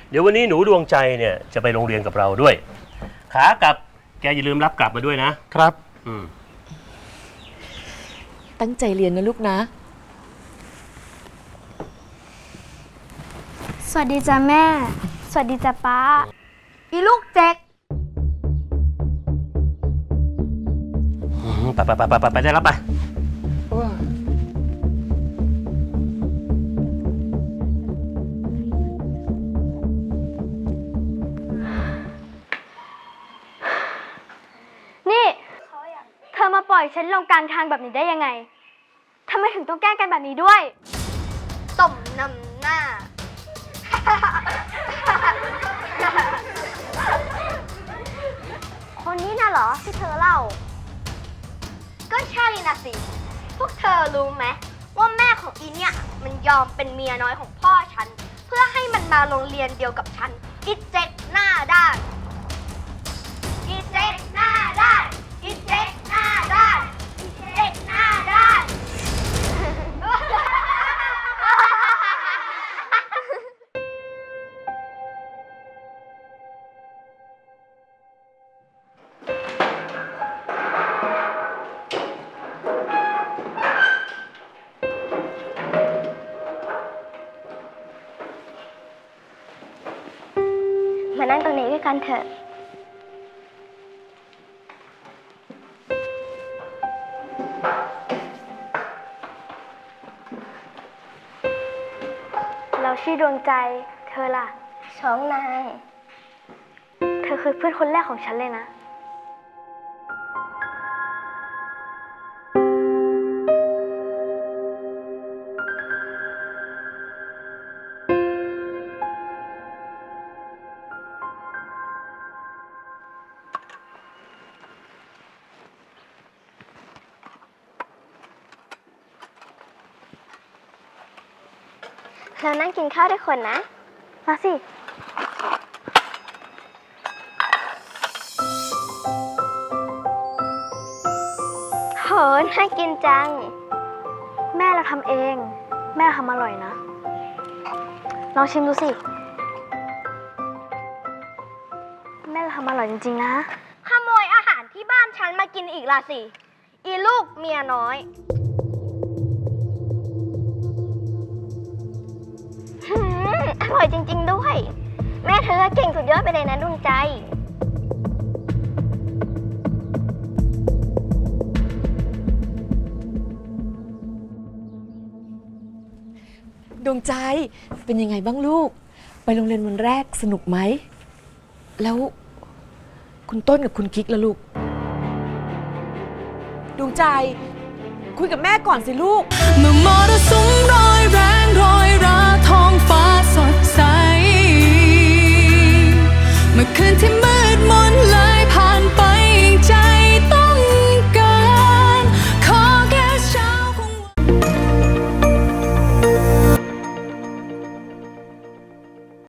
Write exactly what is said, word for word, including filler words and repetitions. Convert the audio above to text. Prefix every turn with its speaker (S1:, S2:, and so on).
S1: เดี๋ยววันนี้หนูดวงใจเนี่ยจะไปโรงเรียนกับเราด้วยขากลับแกอย่าลืมรับกลับมาด้วยนะครับอืม
S2: ตั้งใจเรียนนะลูกนะ
S3: สวัสดีจ้ะแม่ สวัสดีจ้ะป้าอีลูกเจ๊ก
S1: ไปไปไปไปไปได้แล้วไป
S3: นี่เธอมาปล่อยฉันลงกลางทางแบบนี้ได้ยังไงทำไมถึงต้องแกล้งกันแบบนี้ด้วยสมนำหน้า คนนี้น่ะเหรอที่เธอเล่าก็ใช่นะสิพวกเธอรู้ไหมว่าแม่ของอีเนี่ยมันยอมเป็นเมียน้อยของพ่อฉันเพื่อให้มันมาโรงเรียนเดียวกับฉันอีเจ๊กหน้าด้านอีเจ๊กหน้าด้านอีเจ๊กหน้าด้านอีเจ๊กหน้าด้านมานั่งตรงนี้ด้วยกันเถอะเราชื่อดวงใจเธอล่ะช้องนายเธอคือเพื่อนคนแรกของฉันเลยนะเรานั่งกินข้าวด้วยคนนะ มาสิโหน่ากินจัง แม่เราทำเอง แม่ทำอร่อยนะ ลองชิมดูสิ แม่เราทำอร่อยจริงๆนะ ขโมยอาหารที่บ้านฉันมากินอีกล่ะสิ อีลูกเมียน้อยอร่อยจริงๆด้วย แม่เธอเก่งสุดยอดไปเลยนะดวงใจ
S2: ดวงใจเป็นยังไงบ้างลูกไปโรงเรียนวันแรกสนุกไหมแล้วคุณต้นกับคุณกิ๊กล่ะลูกดวงใจคุยกับแม่ก่อนสิลูก
S4: เมื่อมรสุมร้อยแรงรอยราท้องฟ้า